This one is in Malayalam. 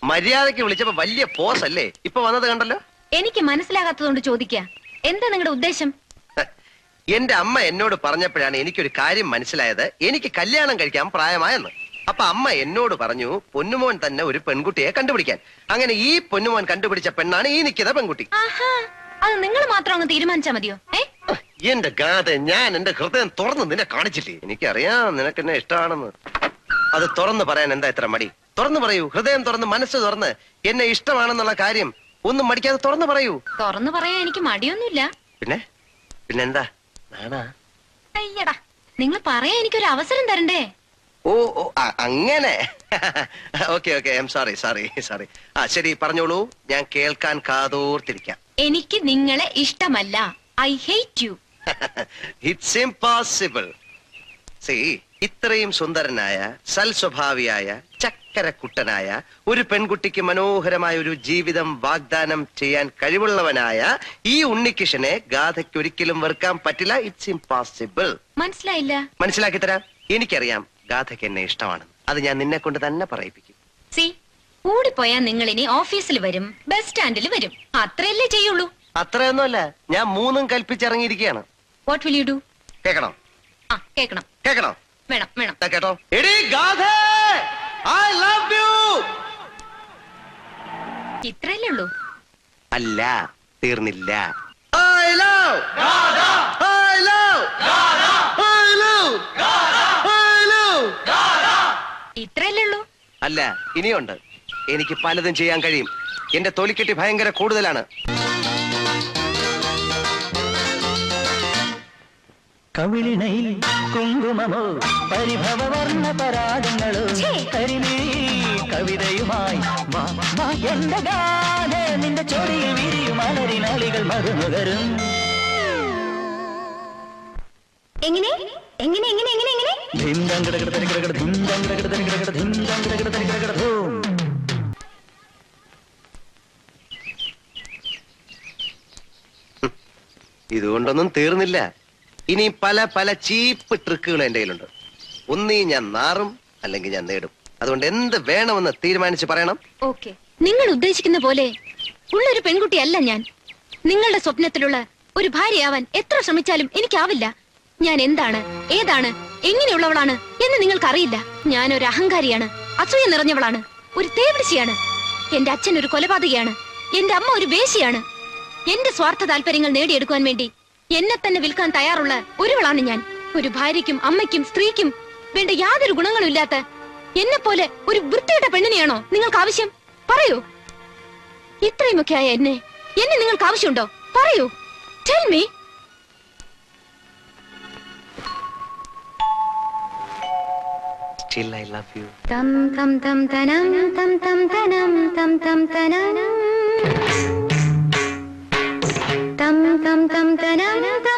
മര്യാദയ്ക്ക് വിളിച്ചപ്പോ വലിയ പോസ് അല്ലേ ഇപ്പൊ വന്നത് കണ്ടല്ലോ. എനിക്ക് മനസ്സിലാകാത്തതുകൊണ്ട് ചോദിക്ക, എന്താ നിങ്ങളുടെ ഉദ്ദേശം? എന്റെ അമ്മ എന്നോട് പറഞ്ഞപ്പോഴാണ് എനിക്കൊരു കാര്യം മനസ്സിലായത്. എനിക്ക് കല്യാണം കഴിക്കാൻ പ്രായമായെന്ന്. അപ്പൊ അമ്മ എന്നോട് പറഞ്ഞു പൊന്നുമോൻ തന്നെ ഒരു പെൺകുട്ടിയെ കണ്ടുപിടിക്കാൻ. അങ്ങനെ ഈ പൊന്നുമോൻ കണ്ടുപിടിച്ച പെണ്ണാണ് ഈ നിൽക്കുന്ന പെൺകുട്ടി. അത് നിങ്ങൾ മാത്രം അങ്ങ് തീരുമാനിച്ചാ മതിയോ? എന്റെ ഗാഥ, ഞാൻ എന്റെ ഹൃദയം തുറന്ന് നിന്നെ കാണിച്ചില്ലേ? എനിക്കറിയാം നിനക്ക് എന്നെ ഇഷ്ടമാണെന്ന്. അത് തുറന്നു പറയാൻ എന്താ ഇത്ര മടി? തുറന്നു പറയൂ, ഹൃദയം തുറന്ന് മനസ്സ് തുറന്ന് എന്നെ ഇഷ്ടമാണെന്നുള്ള കാര്യം ഒന്നും മടിക്കാതെ തുറന്നു പറയൂ. തുറന്നു പറയാൻ എനിക്ക് മടിയൊന്നുമില്ല. പിന്നെന്താ? അയ്യടാ, നിങ്ങൾ പറയാൻ എനിക്കൊരു അവസരം തരണ്ടേ? ഓ അങ്ങനെ. Okay I'm sorry. ശരി, പറഞ്ഞോളൂ, ഞാൻ കേൾക്കാൻ കാതോർത്തിരിക്കാം. എനിക്ക് നിങ്ങളെ ഇഷ്ടമല്ല. I hate you. It's impossible. ഇത്രയും സുന്ദരനായ, സൽസ്വഭാവിയായ, ചക്കരക്കുട്ടനായ ഒരു പെൺകുട്ടിക്ക് മനോഹരമായ ഒരു ജീവിതം വാഗ്ദാനം ചെയ്യാൻ കഴിവുള്ളവനായ ഈ ഉണ്ണികൃഷ്ണനെ ഗാഥയ്ക്ക് ഒരിക്കലും വെറുക്കാൻ പറ്റില്ല. It's impossible. മനസ്സിലായില്ല? മനസ്സിലാക്കി തരാം. എനിക്കറിയാം ഗാഥയ്ക്ക് എന്നെ ഇഷ്ടമാണ്. അത് ഞാൻ നിന്നെ കൊണ്ട് തന്നെ പറയിപ്പിക്കും. കൂടിപ്പോയാ നിങ്ങൾ ഇനി ഓഫീസിൽ വരും, ബസ് സ്റ്റാൻഡിൽ വരും, അത്രയല്ലേ ചെയ്യുള്ളൂ? അത്രയൊന്നുമല്ല, ഞാൻ മൂന്നും കൽപ്പിച്ചിറങ്ങിയിരിക്കുകയാണ്. What will you do? കേൾക്കണോ? കേൾക്കണം. വേണം. കേട്ടോ? എടീ ഗാഥേ, I love you. ഇത്രയല്ലേ ഉള്ളൂ? അല്ല, തീർന്നില്ല. I love Gatha. I love Gatha. I love Gatha. I love ഗാഥ. ഇത്രയല്ലേ ഉള്ളൂ? അല്ല, ഇനിയുണ്ട്. എനിക്ക് പലതും ചെയ്യാൻ കഴിയും. എന്റെ തൊലിക്കെട്ടി ഭയങ്കര കൂടുതലാണ്. കവിളിണയിൽ കുങ്കുമമോ പരിഭവവർണ്ണ പരാഗങ്ങളോ കരിമീ കവിതയുമായി എന്റെ ഗാഥ നിന്റെ ചൊടിയിൽ വിരിയും അലരിനാളികൾ മറുനുകരും. എങ്ങനെ എങ്ങനെ എങ്ങനെ എങ്ങനെ എങ്ങനെ ഇതുകൊണ്ടൊന്നും തീർന്നില്ല. ഇനി പല പല ചീപ്പ് ട്രിക്കുകൾ എന്റെ കയ്യിലുണ്ട്. ഒന്നീ ഞാൻ നാറും, അല്ലെങ്കിൽ ഞാൻ നേടും. അതുകൊണ്ട് എന്ത് വേണമെന്ന് തീരുമാനിച്ച് പറയണം. ഓക്കെ, നിങ്ങൾ ഉദ്ദേശിക്കുന്ന പോലെ ഉള്ളൊരു പെൺകുട്ടിയല്ല ഞാൻ. നിങ്ങളുടെ സ്വപ്നത്തിലുള്ള ഒരു ഭാര്യയാവാൻ എത്ര ശ്രമിച്ചാലും എനിക്കാവില്ല. ഞാൻ എന്താണ്, ഏതാണ്, എങ്ങനെയുള്ളവളാണ് എന്ന് നിങ്ങൾക്കറിയില്ല. ഞാൻ ഒരു അഹങ്കാരിയാണ്, അസൂയ നിറഞ്ഞവളാണ്, ഒരു തേവിടിശിയാണ്. എന്റെ അച്ഛൻ ഒരു കൊലപാതകയാണ്, എന്റെ അമ്മ ഒരു വേശ്യയാണ്. എന്റെ സ്വാർത്ഥ താല്പര്യങ്ങൾ നേടിയെടുക്കുവാൻ വേണ്ടി എന്നെ തന്നെ വിൽക്കാൻ തയ്യാറുള്ള ഒരുവളാണ് ഞാൻ. ഒരു ഭാര്യയ്ക്കും അമ്മയ്ക്കും സ്ത്രീക്കും വേണ്ട യാതൊരു ഗുണങ്ങളും ഇല്ലാത്ത എന്നെ പോലെ ഒരു വൃത്തിയുടെ പെണ്ണിനെയാണോ നിങ്ങൾക്ക് ആവശ്യം? പറയൂ. ഇത്രയുമൊക്കെ ആയ എന്നെ നിങ്ങൾക്ക് ആവശ്യമുണ്ടോ? പറയൂ. Tell me. Still I love you. Tam tam tam tanam tam tam tanam tam tam tanam tam tam tam tanam.